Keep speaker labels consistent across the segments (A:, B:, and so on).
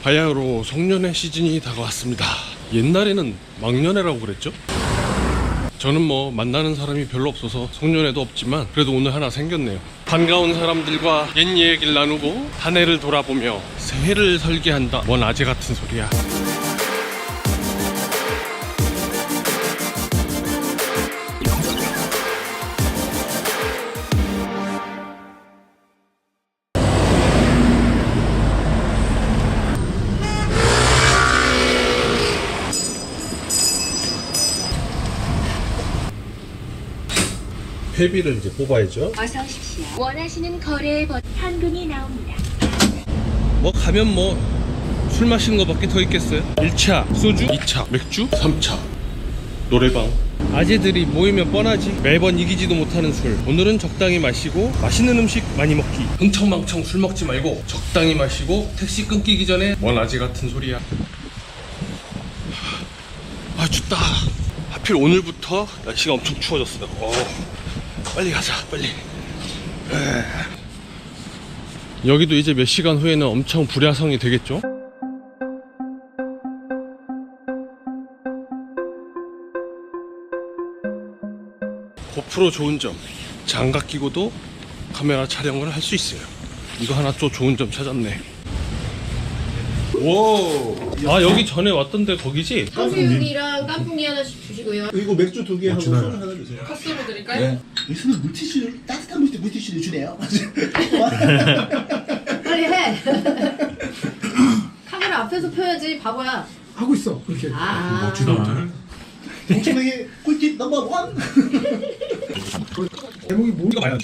A: 바야흐로 송년회 시즌이 다가왔습니다. 옛날에는 막년회라고 그랬죠? 저는 뭐 만나는 사람이 별로 없어서 송년회도 없지만 그래도 오늘 하나 생겼네요. 반가운 사람들과 옛 얘기를 나누고 한 해를 돌아보며 새해를 설계한다. 뭔 아재 같은 소리야. 회비를 이제 뽑아야죠.
B: 어서 오십시오. 원하시는 거래의 현금이 나옵니다.
A: 뭐 가면 뭐 술 마시는 거밖에 더 있겠어요? 1차 소주, 2차 맥주, 3차 노래방. 아재들이 모이면 뻔하지. 매번 이기지도 못하는 술. 오늘은 적당히 마시고 맛있는 음식 많이 먹기. 흥청망청 술 먹지 말고 적당히 마시고 택시 끊기기 전에 뭔 아재 같은 소리야. 아 춥다. 하필 오늘부터 날씨가 엄청 추워졌어요. 빨리 가자 빨리. 여기도 이제 몇 시간 후에는 엄청 불야성이 되겠죠? 고프로 좋은 점, 장갑 끼고도 카메라 촬영을 할 수 있어요. 이거 하나 또 좋은 점 찾았네. 오, 아 여기 전에 왔던데 거기지?
C: 탕수육이랑 깐풍기 하나씩 주시고요.
D: 이거 맥주 2개 하고 소주 하나 주세요.
C: 컷으로 드릴까요?
D: 네. 여기서는 물티슈, 따뜻한 물티슈를 주네요.
C: 빨리 해. 카메라 앞에서 펴야지 바보야.
D: 하고 있어 그렇게. 동천에게 꿀팁 넘버 1. 제목이 뭔가 많이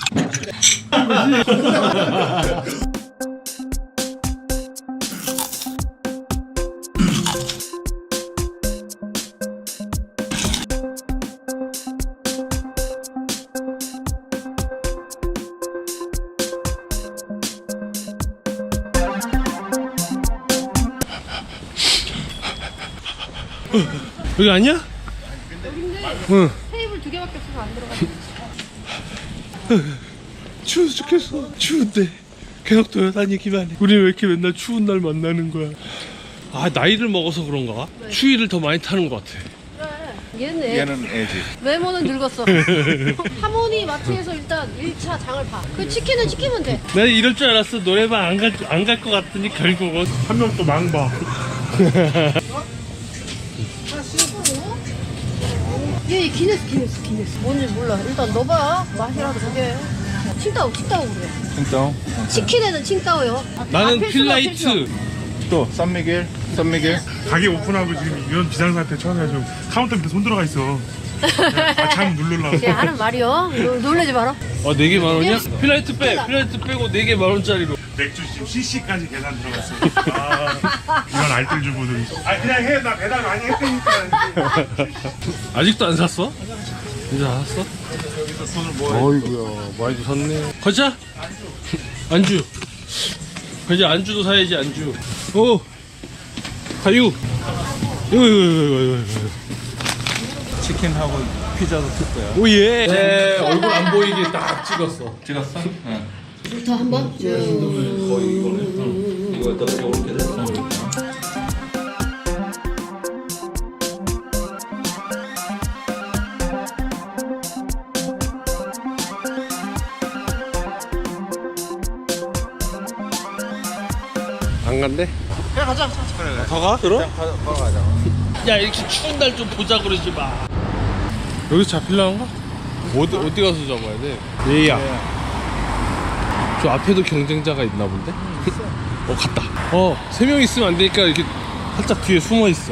A: 여기 아니야? 응.
C: 테이블 2개밖에 없어서 안 들어가.
A: 추워 죽겠어. 추운데 계속 돌아다니기만 해. 우리 왜 이렇게 맨날 추운 날 만나는 거야? 아 나이를 먹어서 그런가? 추위를 더 많이 타는 것 같아.
C: 얘는 애지. 외모는 늙었어. 하모니 마트에서 일단 1차 장을 봐. 그 치킨은 시키면 돼.
A: 내가 이럴 줄 알았어. 노래방 안 갈 것 같더니 결국은 한 명 또 망봐.
C: 얘 기네스. 뭔지 몰라. 일단 넣어봐. 맛이라도 보게. 칭따오 그래.
E: 칭따오?
C: 치킨에는 칭따오요.
A: 나는
C: 필수가
A: 필라이트.
C: 필수.
E: 또 쌈미겔?
F: 가게 오픈하고 지금 이런 비상사태 처음에 카운터 밑에 손 들어가 있어. 참 누르려고.
C: 쟤 하는 말이요. 놀라지 마라.
A: 4개 10,000원이야? 필라이트 빼고 4개 10,000원짜리로.
F: 맥주 지금 CC까지 계산 들어갔어. 이런 알뜰 주부들. 그냥 해. 나 배달 많이 했으니까.
A: 아직도 안 샀어? 이제 안 샀어? 어이구야 많이도 샀네. 가자. 안주. 이제 안주도 사야지. 안주. 오 가유. 이거.
E: 치킨하고 피자도 쓸 거야.
A: 오예. 네, 얼굴 안 보이게 딱 찍었어.
E: 찍었어? 응.
C: 더 한번.
E: 이거 이렇게 됐어.
A: 안 간대?
E: 그냥 가자. 그래.
A: 더 가? 그럼?
E: 그냥 가자.
A: 야 이렇게 추운 날 좀 보자 그러지 마. 여기 잡힐라는가? 어디 가서 잡아야 돼? 얘야. 저 앞에도 경쟁자가 있나 본데? 갔다. 3명 있으면 안 되니까 이렇게 살짝 뒤에 숨어 있어.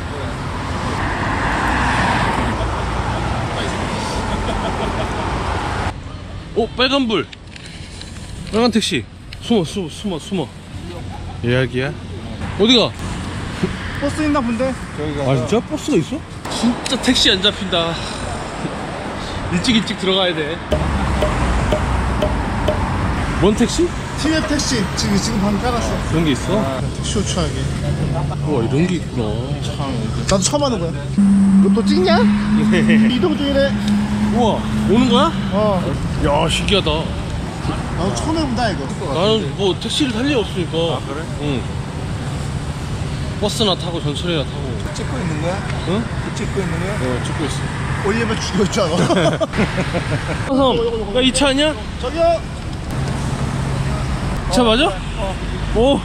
A: 빨간불. 빨간 택시. 숨어. 예약이야? 어디가?
D: 버스 있나 본데?
A: 아 진짜? 버스가 있어? 진짜 택시 안 잡힌다. 일찍 들어가야 돼. 뭔 택시?
D: TF 택시 지금 방금 깔았어.
A: 그런 게 있어?
D: 쇼츠하게.
A: 우와 이런 게 있구나.
D: 나도 처음 하는 거야. 너 또 찍냐? 이동 중이래.
A: 우와 오는 거야?
D: 어.
A: 야 신기하다.
D: 나도 처음 해본다 이거.
A: 나는 뭐 택시를 탈 일 없으니까.
E: 아, 그래?
A: 응. 버스나 타고 전철이나 타고.
D: 찍고 있는 거야?
A: 응?
D: 찍고 있는 거야?
A: 찍고 있어.
D: 올리면 죽였잖아.
A: 형, 야, 이 차 아니야?
D: 저기요.
A: 이 차 맞아? 오.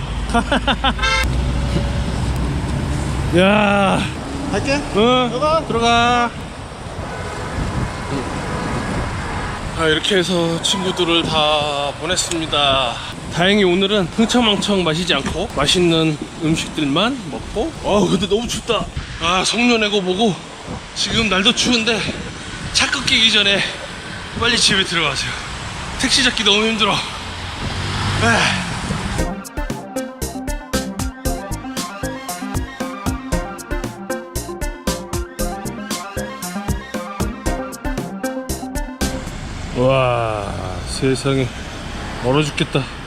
A: 야.
D: 갈게.
A: 응.
D: 들어가.
A: 들어가. 이렇게 해서 친구들을 다 보냈습니다. 다행히 오늘은 흥청망청 마시지 않고 맛있는 음식들만 먹고. 근데 너무 춥다. 성년회고 뭐고 지금 날도 추운데 차 끊기기 전에 빨리 집에 들어가세요. 택시 잡기 너무 힘들어. 와, 세상에 얼어 죽겠다.